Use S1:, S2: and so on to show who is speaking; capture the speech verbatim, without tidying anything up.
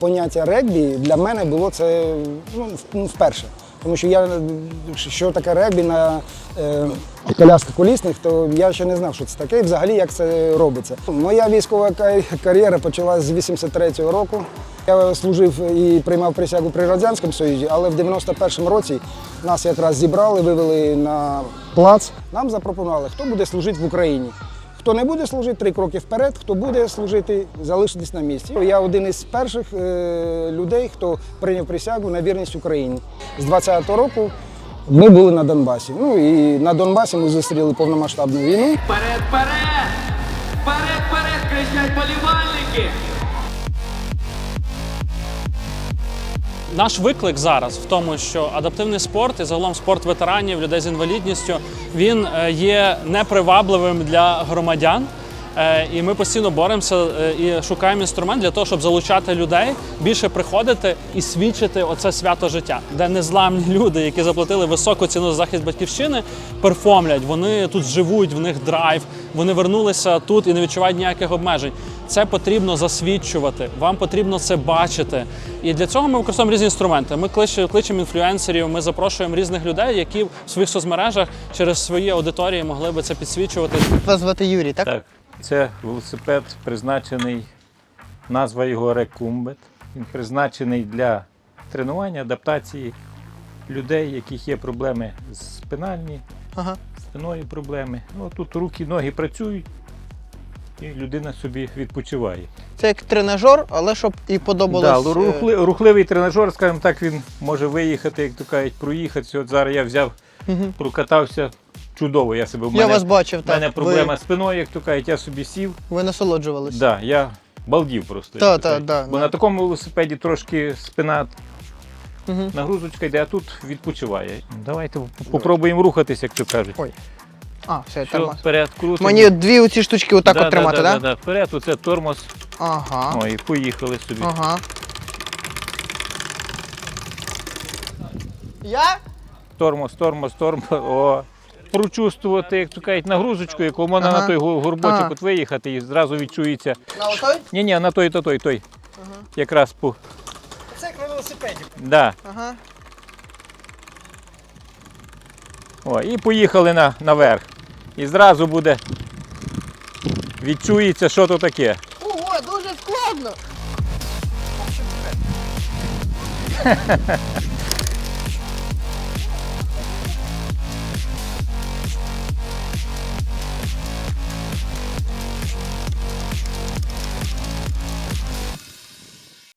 S1: Поняття регбі для мене було це ну, вперше. Тому що я, що таке регбі на е, колясках колісних, то я ще не знав, що це таке і взагалі як це робиться. Моя військова кар'єра почалася з вісімдесят третього року. Я служив і приймав присягу при Радянському Союзі, але в дев'яносто першому році нас якраз зібрали, вивели на плац. Нам запропонували, хто буде служити в Україні. Хто не буде служити, три кроки вперед, хто буде служити, залишитись на місці. Я один із перших е, людей, хто прийняв присягу на вірність Україні. З двадцятого року ми були на Донбасі. Ну і на Донбасі ми зустріли повномасштабну війну.
S2: Вперед, вперед! Вперед, вперед! Кричать болівальники!
S3: Наш виклик зараз в тому, що адаптивний спорт і загалом спорт ветеранів, людей з інвалідністю, він є непривабливим для громадян. І ми постійно боремося і шукаємо інструмент для того, щоб залучати людей, більше приходити і свідчити оце свято життя, де незламні люди, які заплатили високу ціну за захист батьківщини, перформлять, вони тут живуть, в них драйв, вони вернулися тут і не відчувають ніяких обмежень. Це потрібно засвідчувати, вам потрібно це бачити. І для цього ми використовуємо різні інструменти. Ми кличемо інфлюенсерів, ми запрошуємо різних людей, які в своїх соцмережах через свої аудиторії могли би це підсвічувати.
S4: Вас звати Юрій, так?
S5: Так. Це велосипед призначений, назва його Рекумбет. Він призначений для тренування, адаптації людей, яких є проблеми спинальні,
S4: Ага.
S5: спиною проблеми. Ну, тут руки, ноги працюють і людина собі відпочиває.
S4: Це як тренажер, але щоб і подобалось.
S5: Да, рухли, рухливий тренажер, скажімо так, він може виїхати, як то кажуть, проїхатися. От зараз я взяв,
S4: Угу.
S5: прокатався. Чудово, я себе в
S4: Я
S5: мене,
S4: вас бачив,
S5: в мене
S4: так.
S5: проблема
S4: Ви,
S5: з спиною, як то кажуть, я собі сів.
S4: ви насолоджувалися.
S5: Да, я балдів просто.
S4: Та,
S5: як то
S4: та,
S5: кажуть.
S4: да,
S5: Бо
S4: да.
S5: на такому велосипеді трошки спина,
S4: Угу.
S5: нагрузочка йде, а тут відпочиває. Давайте попробуємо рухатися, як то кажуть.
S4: Ой. А, все,
S5: Все,
S4: тормоз.
S5: вперед, крутимо.
S4: Мені дві оці штучки отак
S5: да,
S4: от тримати,
S5: да,
S4: так?
S5: да, да, да. Вперед, оце тормоз.
S4: Ага.
S5: Ой, поїхали собі.
S4: Ага. Я?
S5: Тормоз, тормоз, тормоз. О. Прочувствувати, як то кажуть, нагрузочку, яку можна
S4: Ага.
S5: на той гу- горбочок
S4: Ага.
S5: от виїхати і зразу відчується.
S4: На отой?
S5: Ні-ні, на той, то той, той.
S4: Ага.
S5: Якраз по.
S4: Це як на велосипеді.
S5: Да.
S4: Ага.
S5: О, і поїхали на, наверх. І зразу буде, відчується, що то таке.
S4: Ого, дуже складно.